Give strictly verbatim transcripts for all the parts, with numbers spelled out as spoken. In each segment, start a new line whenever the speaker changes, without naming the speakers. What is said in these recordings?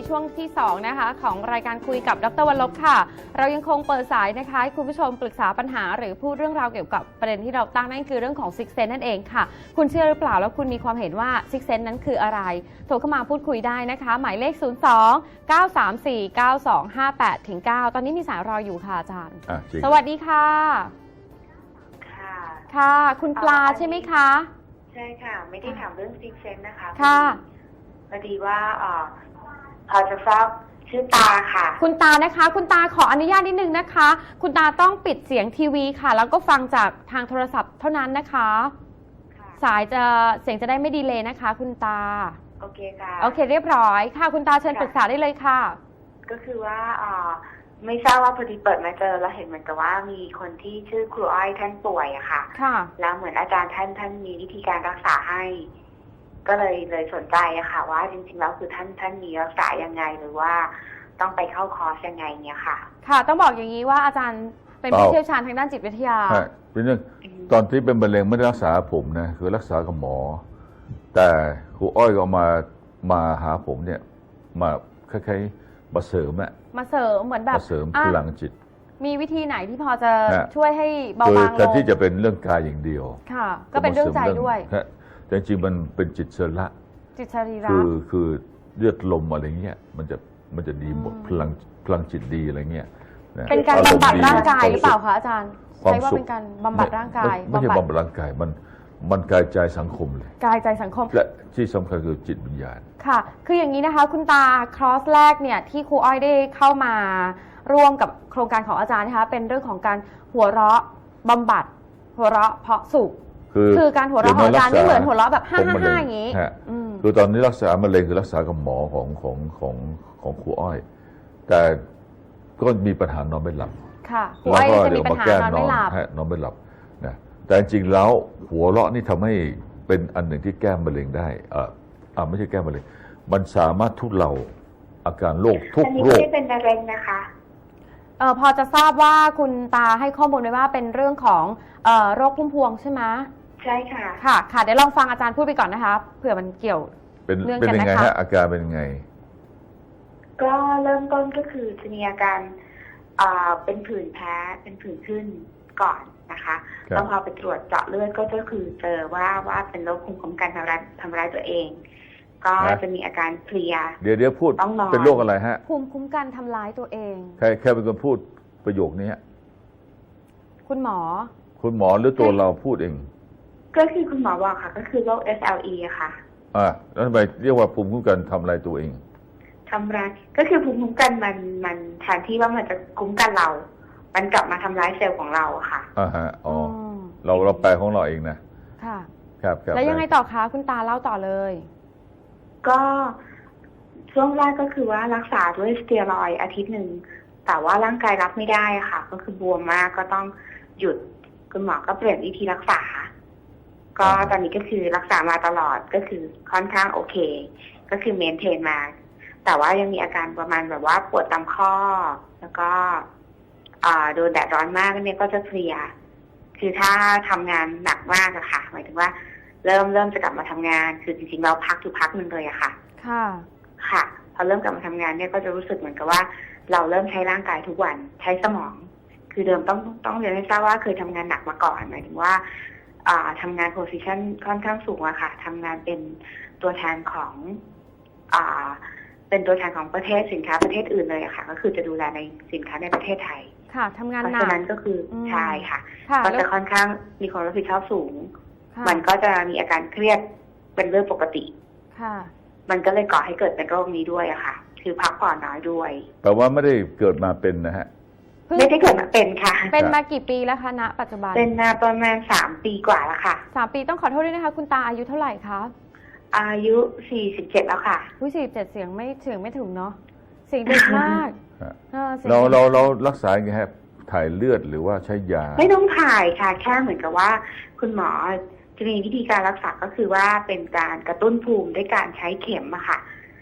ช่วงที่สองนะคะของรายการคุยกับดร.วรลบค่ะเรายังคงเปิดสายนะคะให้คุณผู้ชมปรึกษาปัญหาหรือพูดเรื่องราวเกี่ยวกับประเด็นที่เราตั้งนั่นคือเรื่องของซิกเซนนั่นเองค่ะคุณเชื่อหรือเปล่าแล้วคุณมีความเห็นว่าซิกเซนนั้นคืออะไรโทรเข้ามาพูดคุยได้นะคะหมายเลขศูนย์ สอง เก้า สาม สี่ เก้า สอง ห้า แปด เก้า ตอนนี้มีสายรออยู่ค่ะอาจารย์สวัสดีค่ะ
ค่ะ
ค่ะคุณปลาใช่ไหมคะ
ใช่ค่ะไม่ได้ถามเรื่องซิกเซนนะคะ
ค่ะ
พอดีว่าเอ่อพอจะทราบชื่อตาค่ะ
คุณตานะคะคุณตาขออนุญาตนิดนึงนะคะคุณตาต้องปิดเสียงทีวีค่ะแล้วก็ฟังจากทางโทรศัพท์เท่านั้นนะคะสายจะเสียงจะได้ไม่ดีเลยนะคะคุณตา
โอเคค่ะ
โอเคเรียบร้อยค่ะคุณตาเชิญปรึกษาได้เลยค่ะ
ก็คือว่าเอ่อไม่ทราบว่าพอดีเปิดมาเจอแล้วเห็นเหมือนกับว่ามีคนที่ชื่อครูอ้อยท่านป่วยอะค่ะ
ค่ะ
แล้วเหมือนอาจารย์ท่านท่านมีวิธีการรักษาให้ก็เลยเลยสนใจอะค่ะว่าจริงๆแล้วคือท่านท่านมีรักษายังไงหรือว่าต้องไปเข้าคอร์สยังไงเนี่ยค่ะ
ค่ะต้องบอกอย่างนี้ว่าอาจารย์เป็นผู้เชี่ยวชาญทางด้านจิตวิทยา
ใช่เป็นเรื่องตอนที่เป็นมะเร็งไม่ได้รักษาผมนะคือรักษากับหมอแต่ครูอ้อยก็มามาหาผมเนี่ยมาคล้ายๆมาเสริมอะ
มาเสริมเหมือนแบบ
มาเสริมพลังจิต
มีวิธีไหนที่พอจะช่วยให้เบาบางลง
แทนที่จะเป็นเรื่องกายอย่างเดียว
ค่ะก็เป็นเรื่องใจด้วย
แต่จริงมันเป็นจิตเสระ
จิตสรีระ
คือคือเลือดลมอะไรเงี้ยมันจะมันจะดีหมดพลังพลังจิตดีอะไรเงี้ย
เป็นการบำบัดร่างกายหรือเปล่าคะอาจารย์ใช้ว่าเป็นการบำบัดร่างกาย
ไม่ใช่บำบัดร่างกายมันมันกายใจสังคมเลย
กายใจสังคม
และที่สำคัญคือจิตวิญญาณ
ค่ะคืออย่างนี้นะคะคุณตาคอร์สแรกเนี่ยที่ครูอ้อยได้เข้ามาร่วมกับโครงการของอาจารย์นะคะเป็นเรื่องของการหัวเราะบำบัดหัวเราะเพาะสุขคือการหัวเราะของอาจารย์ไม่เหมือนหัวเราะแบบห้าห้าห้าอย่างนี้
คือตอนนี้รักษามะเร็งคือรักษากับหมอของของของของครูอ้อยแต่ก็มีปัญหานอนไม่หลับ
ค่ะครูอ้อยจะมีปัญหานอนไม่หลับ
นอนไม่หลับนะแต่จริงๆแล้วหัวเราะนี่ทำให้เป็นอันหนึ่งที่แก้มะเร็งได้เอออ่าไม่ใช่แก้มะเร็งมันสามารถทุเลาอาการโรคทุกโรค
ไม่เป็นมะเร็งนะคะ
เออพอจะทราบว่าคุณตาให้ข้อมูลไว้ว่าเป็นเรื่องของเอ่อโรคพุ่มพวงใช่ไหม
ใช่ค่ะ
ค่ะค่ะเดี๋ยวลองฟังอาจารย์พูดไปก่อนนะคะเผื่อมันเกี่ยว
เนื่องกันนะคะเป็นยังไงฮะอาการเป็นยังไง
ก็เริ่มต้นก็คือจะมีอาการเป็นผื่นแพ้เป็นผื่นขึ้นก่อนนะคะแล้วพอไปตรวจเจาะเลือดก็จะคือเจอว่าว่าเป็นโรคภูมิคุ้มกันทำร้ายทำร้ายตัวเองก็จะมีอาการเพลีย
เดี๋ยวเดี๋ยวพูดเป็นโรคอะไรฮะ
ภูมิคุ้มกันทำร้ายตัวเอง
ใครใครเป็นคนพูดประโยคนี้
คุณหมอ
คุณหมอหรือตัวเราพูดเอง
ก็คือคุณหมอบอกค่ะก็คือโรค เอส แอล อี ค่ะ
อ่าแล้วทำไมเรียกว่าภูมิคุ้มกันทำลายตัวเอง
ทำร้ายก็คือภูมิคุ้มกันมันมันแทนที่ว่ามันจะคุ้มกันเรามันกลับมาทำร้ายเซลล์ของเราค่ะ
อ่าฮะอ๋อเราเราแปลของเราเองนะ
ค่ะ
ครับครับ
แล้วยังไงต่อคะคุณตาเล่าต่อเลย
ก็ช่วงแรกก็คือว่ารักษาด้วยสเตียรอยด์อาทิตย์หนึ่งแต่ว่าร่างกายรับไม่ได้ค่ะก็คือบวมมากก็ต้องหยุดคุณหมอก็เปลี่ยนวิธีรักษาก็ตอนนี้ก็คือรักษามาตลอดก็คือค่อนข้างโอเคก็คือเมนเทนมาแต่ว่ายังมีอาการประมาณแบบว่าปวดตามข้อแล้วก็โดนแดดร้อนมากเนี่ยก็จะเพลียคือถ้าทำงานหนักมากอะค่ะหมายถึงว่าเริ่มเริ่มจะกลับมาทำงานคือจริงๆเราพักอยู่พักนึงเลยอะค่ะ
ค่ะ
ค่ะพอเริ่มกลับมาทำงานเนี่ยก็จะรู้สึกเหมือนกับว่าเราเริ่มใช้ร่างกายทุกวันใช้สมองคือเดิมต้องต้องเรียนให้ทราบว่าเคยทำงานหนักมาก่อนหมายถึงว่าทำงานโพสิชันค่อนข้างสูงอะค่ะทำงานเป็นตัวแทนของอ่าเป็นตัวแทนของประเทศสินค้าประเทศอื่นเลยอะค่ะก็คือจะดูแลในสินค้าในประเทศไทย
ค่ะทำงานหนัก
เพราะฉะนั้นก็คือใช่ค่ะก็จะค่อนข้างมีความรับผิดชอบสูงมันก็จะมีอาการเครียดเป็นเรื่องปกติ
ค่ะ
มันก็เลยก่อให้เกิดเป็นโรคนี้ด้วยอะค่ะคือพักผ่อนน้อยด้วย
แปลว่าไม่ได้เกิดมาเป็นนะฮะ
ไม่ได้เกิดมาเป็นค่ะ
เป็นมากี่ปีแล้วคะณปัจจุบัน
เป็นมาประมาณสามปีกว่าแล้วค่ะ
สามปีต้องขอโทษด้วยนะคะคุณตาอายุเท่าไหร่คะ
อายุสี่สิบเจ็ดแล้วค่ะ
ผู้สี่สิบเจ็ดเสียงไม่ถึงไม่ถึงเนาะเสียงเด็กมาก
เราเราเรารักษาไงครับถ่ายเลือดหรือว่าใช้ยา
ไม่ต้องถ่ายค่ะแค่เหมือนกับว่าคุณหมอจะมีวิธีการรักษาก็คือว่าเป็นการกระตุ้นภูมิด้วยการใช้เข็มอะค่ะ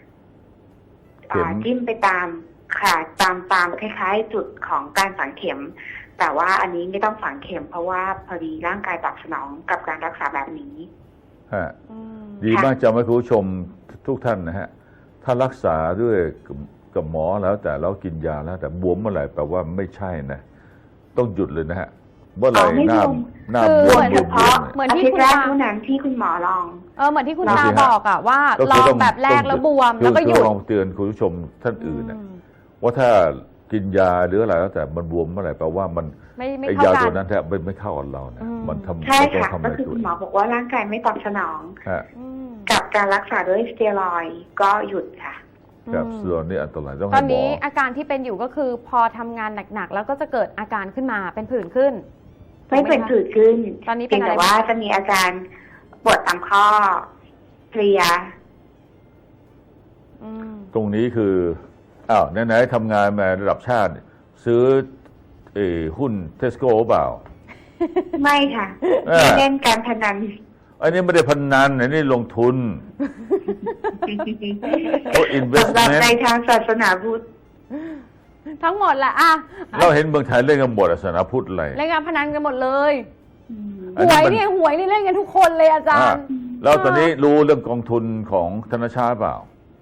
จิ้มไปตามค่ะตามตามคล้ายๆจุดของการฝังเข็มแต่ว่าอันนี้ไม่ต้องฝังเข็มเพราะว่าพอดีร่างกายตอบสนองกับการรักษาแบบนี้
ฮะดีมากจำให้คุณผู้ชมทุกท่านนะฮะถ้ารักษาด้วยกับหมอแล้วแต่เรากินยาแล้วแต่บวมเมื่อไหร่แปลว่าไม่ใช่นะต้องหยุดเลยนะฮะเมื่อไหร่
อ๋อไม่
หน้า
บวม
หน้า
คื
บ
อ
วม
เฉ
บวมบว
พาะ
ม
เหมือน
อา
ที่
ทิต
คุ
ย์
ณ
แรก
ตา
เท่านั้นที่คุณหมอลอง
เออเหมือนที่คุณ
ลอง
ตา
สิฮะ
บอกอะว่า
ก็
ล
คือ
อง
ต้อง
แบบแรก
ต้อง
แล้วบวม
คือ
แล้วก็หยุด
คือลองเตือนคุณผู้ชมท่านอื่นนะ
อืม
ว่าถ้ากินยาหรืออะไรแล้วแต่มันบวมเมื่อไหร่แปลว่ามัน
ไม่ไม่
ไอ้
เข้าย
า
กั
ตัวน นั้นแทบไม่ไม่เข้ากับเรานะ
อืม
มันทำ
ใช่
มันต้อง
ค่ะ
ทำอะ
ก็
ไร
คือ
ตัว
คุณหมอบอกว่าร่างกายไม่ตอบสนอง
ฮะ
อืม
กับการรักษาด้วยสเตียรอยด์ก็หยุดค่ะ
ครับ
อืม
ส่วนนี้อันตรายต้อง
ตอ
ให้
น
หมอ
นี้อาการที่เป็นอยู่ก็คือพอทำงานหนักๆแล้วก็จะเกิดอาการขึ้นมาเป็นผื่นขึ้น
ไม่เป็นผื่นขึ้น
ตอนนี้เป็
เพี
น
ยง
อะไร
แต่ว่าจะมีอาการปวดตามข้อเพลีย
อืม
ตรงนี้คืออ้าวไหนๆทำงานมาระดับชาติ ซื้อเออหุ้นเทสโก้เปล่า
ไม่ค่ะ
อ่า
ไม่เล่นการพนัน
อันนี้ไม่ได้พนันอันนี้ลงทุน โอ้
สำหรับ
investment
ในทางศาสนาพุทธ
ทั้งหมดแหละอ่ะ
เราเห็นเมืองไทยเล่นกันหมดอะศาสนาพุทธอะไร
เล่นการพนันกันหมดเลย
อัน
ห
นี้
วย
มัน
เนี่ยหวยนี่เล่นกันทุกคนเลยอาจาร
อ่า
ย์
แล้วตอนนี้รู้เรื่องกองทุนของธนาชาติเปล่า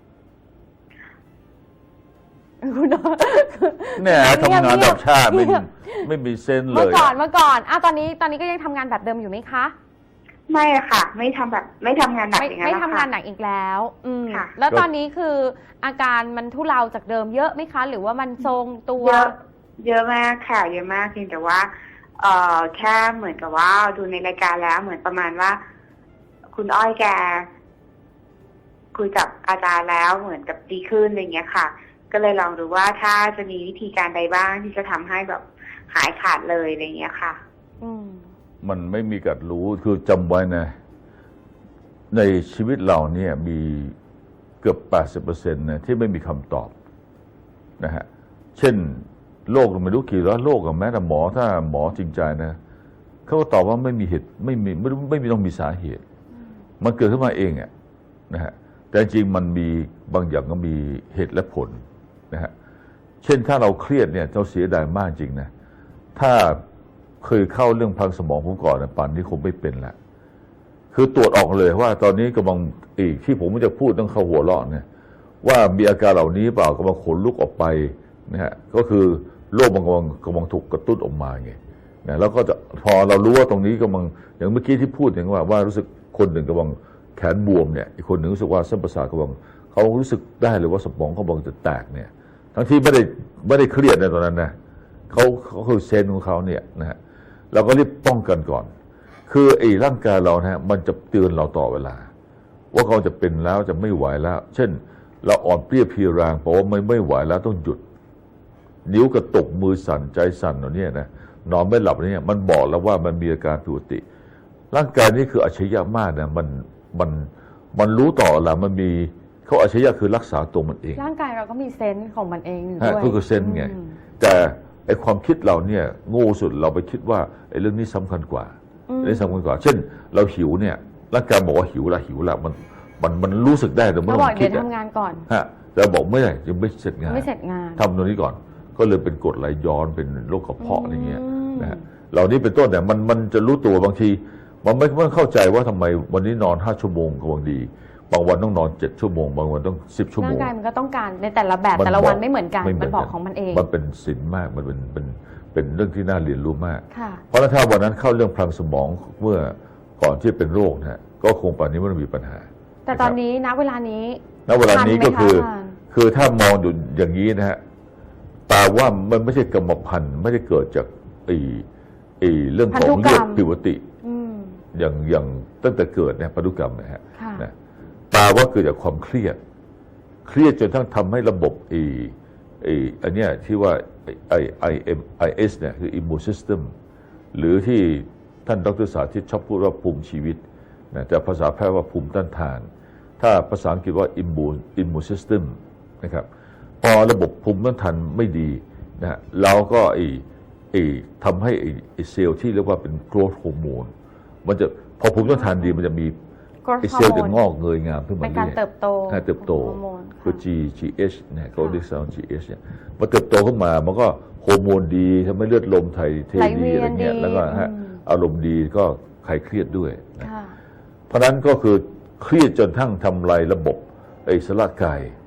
คุณน้อง
เนี่ยทำงานระดับชาติไม่
เงียบ
ไม่มีเซนส์เล
เมื่อย ก่อน
อะ
เมื่อก่อนอ่ะตอนนี้ตอนนี้ก็ยังทำงานแบบเดิมอยู่ไหมคะ
ไม่อะค่ะ ไม่ทำแบบ ไม่ทำงานหนัก
ไม่
อย่างนั้
ไม่
นแล้ว
ทำงานห
ค่ะ
นักอีกแล้ว อืม
ค่ะ
แล้วตอนนี้คืออาการมันทุเลาจากเดิมเยอะไหมคะ หรือว่ามันทรงตัว
เยอะเยอะมากค่ะเยอะมากเพียงแต่ว่า เอ่อแค่เหมือนกับว่าดูในรายการแล้วเหมือนประมาณว่า คุณอ้อยแก คุยกับอาจารย์แล้วเหมือนกับดีขึ้นอะไรเงี้ยค่ะ ก็เลยลองดูว่าถ้าจะมีวิธีการใดบ้างที่จะทำให้แบบหายขาดเลยอะไรเงี้ยค่ะ
อืม
มันไม่มีกัดรู้คือจำไว้นะ ในชีวิตเราเนี่ยมีเกือบ แปดสิบเปอร์เซ็นต์ นะที่ไม่มีคำตอบนะฮะเช่นโรคไม่รู้กี่ร้อยโรคกับแม้แต่หมอถ้าหมอจริงใจนะเขาก็ตอบว่าไม่มีเหตุไม่มีไม่รู้ไม่มีต้องมีสาเหตุ มันเกิดขึ้นมาเองอะนะฮะแต่จริงมันมีบางอย่างก็มีเหตุและผลนะฮะเช่นถ้าเราเครียดเนี่ยเราเสียดายมากจริงนะถ้าเคยเข้าเรื่องพังสมองผมก่อนนะป่านนี้คงไม่เป็นละคือตรวจออกเลยว่าตอนนี้กำลังอีกที่ผมจะพูดต้องเข้าหัวเราะเนี่ยว่ามีอาการเหล่านี้เปล่ากำลังขนลุกออกไปนะฮะก็คือโรคมันกำลังกำลังถูกกระตุ้นออกมาไงนะแล้วก็จะพอเรารู้ว่าตรงนี้กำลังอย่างเมื่อกี้ที่พูดอย่างว่าว่ารู้สึกคนหนึ่งกำลังแขนบวมเนี่ยอีกคนหนึ่งรู้สึกว่าเส้นประสาทกำลังเขารู้สึกได้เลยว่าสมองเขากำลังจะแตกเนี่ยทั้งที่ไม่ได้ไม่ได้เครียดในตอนนั้นนะเขาเขาคือเซนส์ของเขาเนี่ยนะฮะเราก็รีบป้องกันก่อน คือไอ้ร่างกายเรานะฮะมันจะเตือนเราต่อเวลา ว่าเขาจะเป็นแล้วจะไม่ไหวแล้ว เช่น เราอ่อนเปรี้ยเพลียแรงเพราะว่าไม่ไม่ไหวแล้วต้องหยุด นิ้วกระตุกมือสั่นใจสั่นเหล่านี้นะนอนไม่หลับเนี่ยมันบอกแล้วว่ามันมีอาการผิดปกติ ร่างกายนี้คืออัจฉริยะมากนะมันมันมันรู้ต่อเวลามันมีเขาอัจฉริยะคือรักษาตัวมันเอง
ร่างกายเราก็มีเซนส์ของมันเองอยู่
ฮะ
ด้วย
ก็คือเซนส์ไง
อืม
แต่ไอ้ความคิดเราเนี่ยโง่สุดเราไปคิดว่าไอ้เรื่องนี้สำคัญกว่า
อืม
เรื่องสำคัญกว่า เช่น เราหิวเนี่ยร่างกายบอกว่าหิวละหิวละมันมันมันรู้สึกได้แต่ไม่
เขา
ต้
บ
อ
อก
งคิ
เดี๋
ด
ยว
อะ
ทำงานก่อน
ฮะแต่บอกไม่ได้ยังไม่เสร็จงาน
ไม่เสร็จงาน
ทำตรงนี้ก่อน ก็เลยเป็นกรดไหลย้อนเป็นโรคกระเพาะอะไรเงี้ย
อืม
นะฮะเหล่านี้เป็นต้นแต่มันมันจะรู้ตัวบางที มันไม่ไม่เข้าใจว่าทำไมวันนี้นอนห้าชั่วโมงกำลังดี บางวันต้องนอนเจ็ดชั่วโมงบางวันต้องสิบชั่วโม
ร่าง
ง
กายมันก็ต้องการในแต่ละแบบ
มัน
แต่ละวัน
บอก
ไม่เหมือนกัน
ไม่เหมื
มั
อน น
บอก
กัน
ของมันเอง
มันเป็นศิลป์มากมันเป็นเป็นเป็นเรื่องที่น่าเรียนรู้มาก
ค่ะ
เพราะถ้าวันนั้นเข้าเรื่องพลังสมองเมื่อก่อนที่เป็นโรคนะฮะก็คงป่านนี้ไม่ต้องมีปัญหา
แต่ตอนนี้ณเวลานี้
ณเวลานี้ก็คือ
ทันไหมคะอาจารย์
คือถ้ามองอยู่อย่างนี้นะฮะแปลว่ามันไม่ใช่กรรมพันธุ์ไม่ได้เกิดจากไอ้ไอ้เรื่องของเลือดผิดปกติ
อืม
อย่างอย่างตั้งแต่เกิดเนี่ยพันธุกรรมนะฮะ
ค่ะ
นะแปลว่าเกิดจากความเครียด เครียดจนทั้งทำให้ระบบไอ้ไอ้อันเนี้ยที่ว่าไอ้ไอเอ็มไอเอสเนี่ยคือ immune system หรือที่ท่านดรสาธิตชอบพูดว่าภูมิชีวิตนะแต่ภาษาแพทย์ว่าภูมิต้านทาน ถ้าภาษาอังกฤษว่า immune immune system นะครับพอระบบภูมิต้านทานไม่ดีนะฮะเราก็ไอ้ไอ้ทำให้ไอ้ไอ้เซลล์ที่เรียกว่าเป็น growth hormone มันจะพอภูมิต้านทานดีมันจะมี
growth
ไอ้เซลล์จะ
hormone
งอกเงยงามขึ้นมา
เป็น
เรื่
การ
อย
เติบโต
ๆให้เติบโต
ฮอร์โมน
คือ
ค่ะ
G GH เนี่ยเขาเรียกว่า GH เนี่ยพอเติบโตขึ้นมามันก็ฮอร์โมนดีทำให้เลือดลมไทยเท
ไหล
ดี
เวียน
อะไรเงี้ย
ดี
แล้วก็ฮะ
อืม
อารมณ์ดีก็คลายเครียดด้วยนะ
ค่ะ
เพราะฉะนั้นก็คือเครียดจนทั้งทำลายระบบไอ้สลากไก่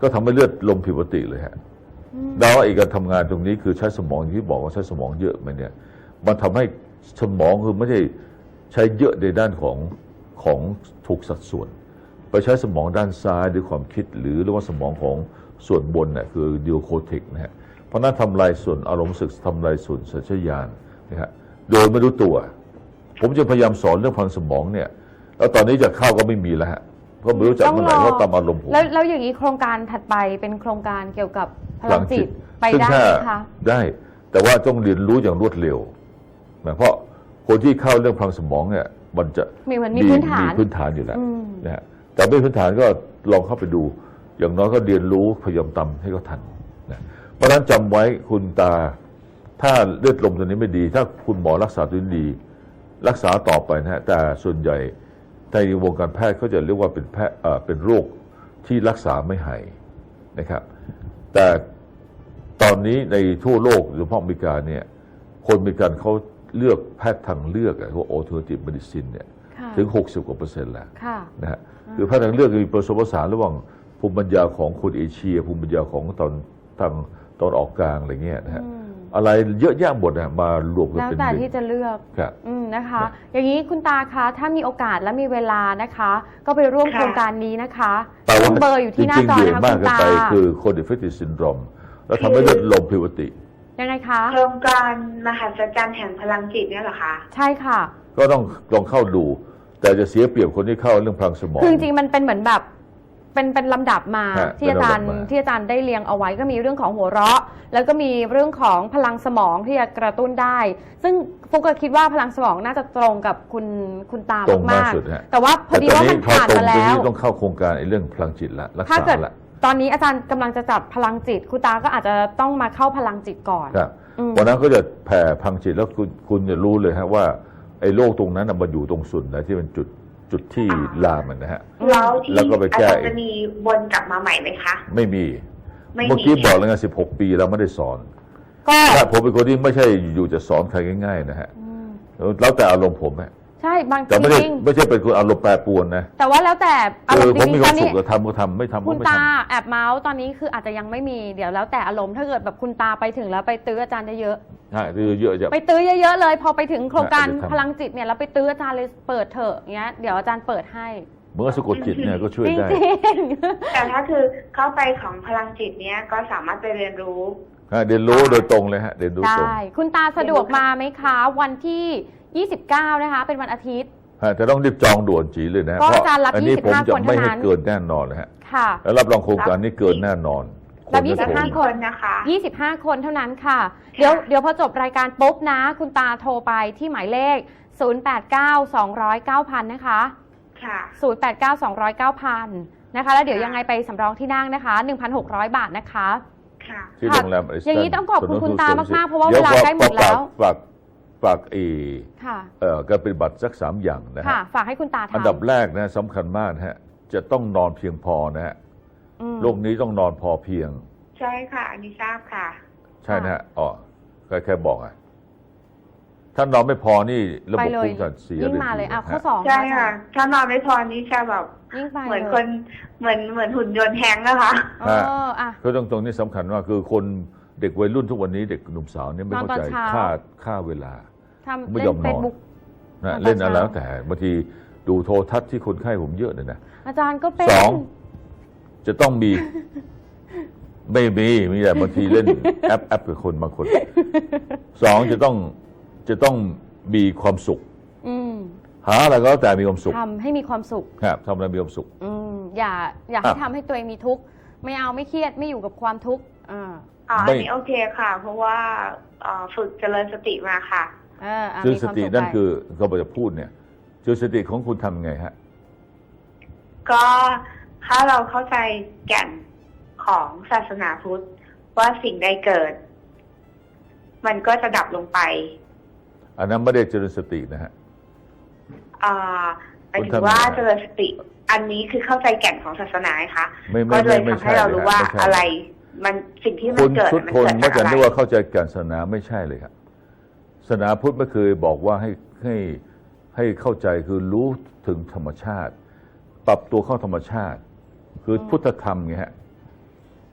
ก็ทำให้เลือดลมผิดปกติเลยฮะแล้วไอ้การทำงานตรงนี้คือใช้สมองที่บอกว่าใช้สมองเยอะมันเนี่ยมันทำให้สมองคือไม่ได้ใช้เยอะในด้านของของถูกสัดส่วนไปใช้สมองด้านซ้ายด้วยความคิดหรือเรียกว่าสมองของส่วนบนเนี่ยคือดิโอโคเทกนะฮะเพราะนั้นทำลายส่วนอารมณ์สึกทำลายส่วนสัญชาตญาณนะฮะโดยไม่รู้ตัว ผมจะพยายามสอนเรื่องพลังสมองเนี่ยแล้วตอนนี้จะเข้าก็ไม่มีแล้วฮะก็ไม่รู้จักเมื่อไหร่เพราะตามอารมณ์ผม
แล้วแล้วอย่างนี้โครงการถัดไปเป็นโครงการเกี่ยวกับพลังจิตไปได้ไหมคะ
ได้แต่ว่าต้องเรียนรู้อย่างรวดเร็วนะเพราะคนที่เข้าเรื่องพลังสมองเนี่ยมันจะ
มีเหมือนมีพื้นฐาน
มีพื้นฐานอยู่แล้ว
อืม
นะฮะแต่ไม่พื้นฐานก็ลองเข้าไปดู อย่างน้อยก็เรียนรู้พยายามทำให้เขาทันนะเพราะฉะนั้นจำไว้คุณตาถ้าเลือดลมตัวนี้ไม่ดี ถ้าคุณหมอรักษาตัวนี้ดี รักษาต่อไปนะฮะแต่ส่วนใหญ่ในวงการแพทย์เขาจะเรียกว่าเป็นแพทย์เอ่อเป็นโรคที่รักษาไม่หายนะครับ แต่ตอนนี้ในทั่วโลกโดยเฉพาะอเมริกาเนี่ยคนอเมริกันเขาเลือกแพทย์ทางเลือกอะพวก alternative medicine เนี่ย
ค่ะ
ถึงหกสิบกว่าเปอร์เซ็นต์แล้ว
ค่ะ
นะฮะคือแพทย์ทางเลือกมีผสมผสานระหว่างภูมิปัญญาของคนเอเชีย ภูมิปัญญาของตอนทางตอนออกกลางอะไรเงี้ยนะฮะ
อืม
อะไรเยอะแยะหมดนะมารวมกัน
แล้ว
เป็น
แต่
หนึ่ง
ที่จะเลือก
ครับ
อืมนะคะ อย่างนี้คุณตาคะถ้ามีโอกาสและมีเวลานะคะ ก็ไปร่วม
ค่ะ
โครงการนี้นะคะ
แต่ว่า
เบอร์อยู่ที่หน้าจอ
จริงๆ
นะคะ
เยอะมา
คุ
ก
ณ
เกิน
ตา
ไปคือคน defective syndrome แล้วทำให้เลือดลมผิดปกติ
ยังไงคะ
โครงการมหัศจรรย์แห่งพลังจิตเนี่ยเหรอคะ
ใช่ค่ะ
ก็ต้องลองเข้าดู แต่จะเสียเปรียบคนที่เข้าเรื่องพลังสมอง
คือจริงๆมันเป็นเหมือนแบบเป็นเป็นลำดับมา
ฮะ
ที่อาจารย์
เป็นลำดับมา
ที่อาจารย์ได้เรียงเอาไว้ก็มีเรื่องของหัวเราะ แล้วก็มีเรื่องของพลังสมองที่จะกระตุ้นได้ ซึ่งฟุกก็คิดว่าพลังสมองน่าจะตรงกับคุณคุณตา
ตรงมาก
มาก
สุดฮะ
ๆแต่ว่าพอดีว่ามันผ่านมา
ต่ตอน
แล้
นี้
ว
ต้องเข้าโครงการไอ้เรื่องพลังจิตละรัก
ถ้า
ษา
เกิด
ละ
ตอนนี้อาจารย์กำลังจะจัดพลังจิตคุณตาก็อาจจะต้องมาเข้าพลังจิตก่อน
ครับ
อืม
วันนั้นก็จะแผ่พลังจิตแล้วคุณคุณจะรู้เลยฮะว่าไอ้โรคตรงนั้นน่ะมันอยู่ตรงส่วนไหนที่เป็นจุดจุดที่
อ่า
ลามมันนะฮะ
แล้วที่
แล้วก็ไป
อา
แก้
จารย์จะมีวนกลับมาใหม่ไหมคะ
ไม่มี
ไม่มี
เมื่อกี้บอกแล้วไงสิบหกปีแล้วไม่ได้สอน
ก็
ถ้าผมเป็นคนที่ไม่ใช่อยู่จะสอนใครง่ายๆนะฮะ
อืม
แล้วแต่อารมณ์ผมฮะ
ใช่บาง
แต่ไม่ได้
จริง
ไม่ใช่เป็นคนอารมณ์แปรปรวนนะ
ๆแต่ว่าแล้วแต่อาร
คือ
มณ์
ผม
จ
มี
ริง
ค
ๆต
วา
อ
ม
น
สุ
นี้
ขก็ทำก็ทำไม่ทำก็
คุณ
ไม่
ตา
ทำ
แอบเมาส์ตอนนี้คืออาจจะยังไม่มีเดี๋ยวแล้วแต่อารมณ์ถ้าเกิดแบบคุณตาไปถึงแล้วไปตื้ออาจารย์เยอะ
ใช่คือเยอะจะ
ๆไปตื้อเยอะๆเลย พอไปถึงโครงการ
อาจจะทำ
พลังจิตเนี่ยแล้วไปตื้ออาจารย์เลยเปิดเถอะเงี้ยเดี๋ยวอาจารย์เปิดให้
เมื่อสะกดจิตเนี่ยก็ช่วย
จริง
ได้
ๆ
แต่ถ้าคือเข้าไปของพลังจิตเนี้ยก็สามารถไปเรียนรู้
ฮะเรียนรู้โดยตรงเลยฮะเรียนรู้ตรง
ได้ คุณตาสะดวกมาไหมคะ วันที่ ยี่สิบเก้า นะคะ เป็นวันอาทิตย์
ฮะจะต้องรีบจองด่วนจีเลยนะ
ก็
เพราะ
อาจารย์รับ
อันนี้ผม
ยี่สิบห้า
จะ
คน
ไม่
เท่านั้
ให้
น
เกินแน่นอนเลยฮะ
ค่ะ
แล้วรับรองโครงการนี้เกินแน่นอน
รับ
น
ยี่สิบห้า
ไม่
ค
ผม
นนะคะ
ยี่สิบห้า คนเท่านั้นค่ะ เดี๋ยวเดี๋ยวพอจบรายการปุ๊บนะ คุณตาโทรไปที่หมายเลข ศูนย์ แปด เก้า สอง ศูนย์ เก้า ศูนย์ นะคะ
ค่ะ
ศูนย์ แปด เก้า สอง ศูนย์ เก้า ศูนย์ นะคะ แล้วเดี๋ยว
ค่ะ
ยังไงไปสำรองที่นั่งนะคะ หนึ่งพันหกร้อย บาทนะคะ
ค่ะ
ที่โรงแรม Ariston
อย่างนี้ต้องขอบคุณคุณตามากๆเพราะว่า
ดี๋ย
เวลาใกล้หมดแล้ว
ฝากฝากเอ
ค่ะ
เอ่อการปฏิบัติสักสามอย่างนะฮะ
ค่ะ ฝากให้คุณตาทำ
อันดับแรกนะสำคัญมากนะฮะจะต้องนอนเพียงพอนะฮะ
อืม
โรคนี้ต้องนอนพอเพียง
ใช่ค่ะ อันนี้ทราบค่ะ
ใช่นะฮะอ๋อแค่แค่บอกอ่ะถ้านอนไม่พอนี่ระ
ไป
บบ
เลย
ภูมิคุ้มกันเสีย
ยิ่งมาเลยอ่ะข้อสอง
ใช่ค่ะ ถ้านอนไม่พอนี่จะแบบ
ยิ่งไป
เหมือน
ลย
คนเหมือนเหมือนหุ่นยนต์แฮงก์นะคะ
เอออ่ะ
ก็ตรงตรงนี้สำคัญว่าคือคนเด็กวัยรุ่นทุกวันนี้เด็กหนุ่มสาวเนี่ยไม่เข้าใจ
นอนตอนเช้า
ค่าค่าเวลา
ทำ
ไม่
เล่
ยอน มนอน
เฟซบุ๊ก
นะ
ตอน
เล่นอะไร
เช้า
แล้วแต่บางทีดูโทรทัศน์ที่คนไข้ผมเยอะเลยนะ
อาจารย์ก็เป็น
สอง จะต้องมี ไม่มีมีแต่บางทีเล่น แอปแอปกับคนบางคนสองจะต้องจะต้องมีความสุข
อืม
หาอะไรก็แล้วแต่มีความสุข
ทำให้มีความสุข
ครับทำอะไรมีความสุข
อืมอย่าอย่าให้
อ่ะ
ทำให้ตัวเองมีทุกข์ไม่เอาไม่เครียดไม่อยู่กับความทุกข์อ่า
อ๋อ
ไม่
อันนี้โอเคค่ะ เพราะว่าเอ่อฝึกเจริญสติมาค่ะ
เอออ่ะ
คือ
มี
ส
ความ
ติ
สุข
นั่น
ไป
คือเขาบอกจะพูดเนี่ยคือสติของคุณทำไงฮะ
ก็ถ้าเราเข้าใจแก่นของศาสนาพุทธว่าสิ่งใดเกิด มันก็จะดับลงไป
อันนั้นไม่ได้เจริญสตินะฮะ
อ่าหมายถึงว่าเจริญสติ อันนี้คือเข้าใจแก่นของศาสนาค่ะ
ไม่ไม่
ก็เลย
ไม่
ทำ
ใช่
ให้เรารู้ว่า
ไม่ใช่
อะไร มันสิ่งที่มั
คุ
น
ณ
เกิด
ทุก
มัน
คน
เกิด
เมื่อ
จาก
จะ
อะไร
นึกว่าเข้าใจการศาสนาไม่ใช่เลยครับศาสนาพุทธไม่เคยบอกว่าให้ให้ให้เข้าใจคือรู้ถึงธรรมชาติ ปรับตัวเข้าธรรมชาติ คือพุทธธรรมไงฮะ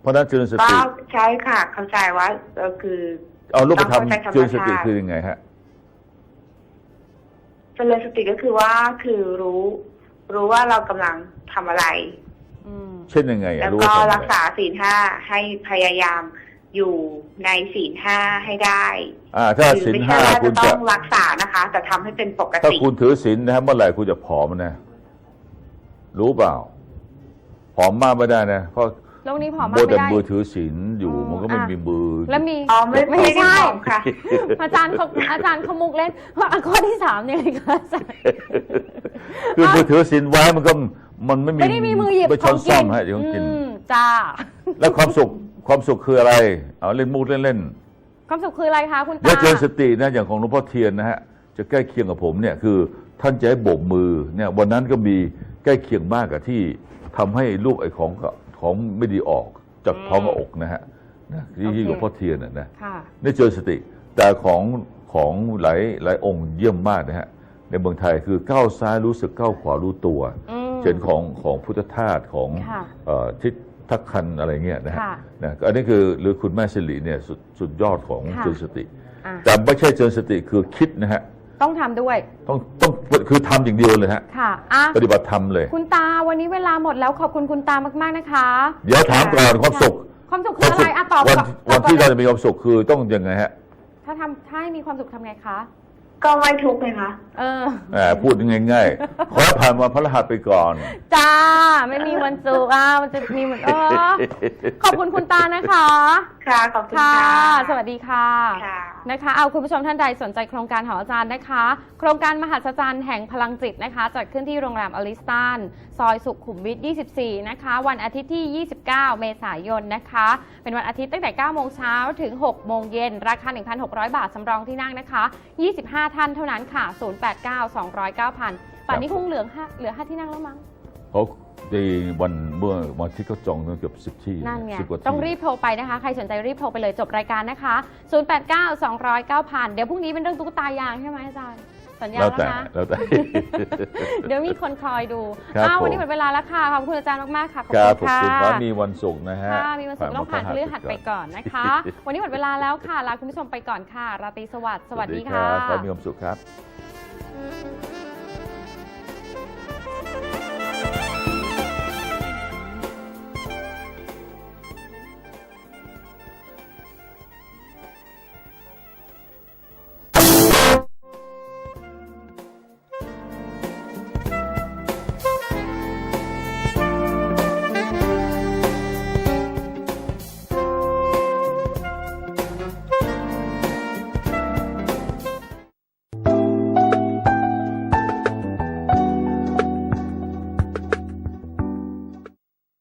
เพราะฉะนั้นเจริญส
ก็
ติ
ใช่ค่ะ เข้าใจว่าเออคือ
เอารูปธรรม
ต้องเข้าใจธรรมชาติ
เจริญสติคือยังไงฮะ
เจริญสติก็คือว่าคือรู้ รู้ว่าเรากำลังทำอะไร
อืม
เช่นยังไงอะ
แล้ว
รู้
ก็
ว่าทำอะไร
รักษาศีลห้าให้พยายามอยู่ในศีลห้าให้ได้
อ่าถ้า
คือ
ศีล
ไม่
ห้า
ใช่ว่า
คุ
จะ
ณ
ต้
จะ
องรักษานะคะ แต่ทำให้เป็นปก
ถ้า
ติ
คุณถือศีลนะฮะเมื่อไหร่คุณจะผอมนะรู้เปล่าผอมมากไม่ได้นะเพราะ
โลกนี้ผอม
โม
มาก
แต่
ไม่ได้
มือถือศีลอยู่
อ๋อ
มันก็ไม่
อ่ะ
มีมือ
แล้วมี
อ๋อไม่
ไม่
ไม่
ใช่
ได้ผอมค่ะ
อาจารย์เขาอาจารย์เขามุกเล่นว่าข้อที่สามเนี่ยเลยค่ะอาจารย์
คือมือถือศีลไว้มันก็มันไม่มี
ไม่ได้มีมือหยิบ
ไม่
ข
ช้
อ
อง น
กิ
ซ่อม
น
ฮะเดี๋ยวต้องกิน
อืมจ้า
แล้วความสุขความสุขคืออะไรเอาเล่นมูดเล่นๆ
ความสุขคืออะไรคะคุณ
แล้
ตา
วเจริญสตินะอย่างของหลวงพ่อเทียนนะฮะจะใกล้เคียงกับผมเนี่ยคือท่านจะให้โบกมือเนี่ยวันนั้นก็มีใกล้เคียงมากกับที่ทำให้ลูกไอ้ของของไม่ดีออกจากท้องกับอกนะฮะนะที่ที่หลวงพ่อเทียนนะนะ
ค่ะ
นี่เจริญสติแต่ของของหลายหลายองค์เยี่ยมมากนะฮะในเมืองไทยคือก้าวซ้ายรู้สึกก้าวขวารู้ตัว
อืม
เช่นของของพุทธทาสของ
ค่ะ
เอ่อทิศทักคันอะไรเงี้ยนะฮะ
ค่ะ
นะอันนี้คือหรือคุณแม่สิริเนี่ยสุดสุดยอดของ
ค่ะ
เจริญสติ
อ่ะ
แต่ไม่ใช่เจริญสติคือคิดนะฮะ
ต้องทำด้วย
ต้องต้องคือทำอย่างเดียวเลยฮะ
ค่ะอ่ะ
ปฏิบัติธรรมเลย
คุณตาวันนี้เวลาหมดแล้วขอบคุณคุณตามากๆนะคะ
เดี๋ยวถามก่อนความสุข
ความสุขคืออะไรอ่ะตอบ
วัน
ก่อน
วัน
ตอบก่อ
ที่เรา
ลย
จะมีความสุขคือต้องยังไงฮะ
ถ้าทำถ้าให้มีความสุขทำไงคะ
ก็ไม่ทุกข์เลยค่ะ
เออ
แหมพูดง่ายๆขอผ่านวันพระรหัสไปก่อน
จ้า ไม่มีวันสุขอ่ะมันจะมีเหมือนเออขอบคุณคุณตานะคะ
ค่ะ ขอบคุณ
ค่ะ
ค่ะ
สวัสดีค่ะ
ค่ะ
นะคะเอาคุณผู้ชมท่านใดสนใจโครงการของอาจารย์นะคะ โครงการมหัศจรรย์แห่งพลังจิตนะคะจัดขึ้นที่โรงแรมอลิสตันซอยสุขุมวิท ยี่สิบสี่ นะคะ วันอาทิตย์ที่ ยี่สิบเก้า เมษายนนะคะ เป็นวันอาทิตย์ตั้งแต่ เก้าโมงเช้าถึง หกโมงเย็นราคา หนึ่งพันหกร้อย บาทสำรองที่นั่งนะคะ ยี่สิบห้า ท่านเท่านั้นค่ะ ศูนย์ แปด เก้า สอง ศูนย์ เก้า พันป่านนี้คงเหลือห้าเหลือห้าที่นั่งแล้วมั้ง
เขาในวันเมื่อวันที่เขาจองตั้งเกือบสิบที่
นั่นไง
สิบกว่าที่
ต้องรีบโทรไปนะคะ ใครสนใจรีบโทรไปเลยจบรายการนะคะ ศูนย์ แปด เก้า สอง ศูนย์ เก้า พันเดี๋ยวพรุ่งนี้เป็นเรื่องตุ๊กตายางใช่ไหมอาจารย์ สัญญา
แล้ว
แล้ว
แต่
นะ
แล้วแต่
เดี๋ยวมีคนคอยดู
ครับ
อ้าววัน
ผม
นี้หมดเวลาแล้วค่ะ ขอบคุณอาจารย์มากๆค่ะ ขอบ
ครับ
คุ
ขอบ
ณ
คุณ
ค่ะ
ขอให้มีวันศุกร์นะฮะ
ค่ะ มีวันศุกร์ต้องผ่านพฤหัสไปก่อนนะคะ วันนี้หมดเวลาแล้วค่ะ ลาคุณผู้ชมไปก่อนค่ะ ราตรีสวัสดิ์ สวัสดีค่ะ
ขอให้มีความสุขครับ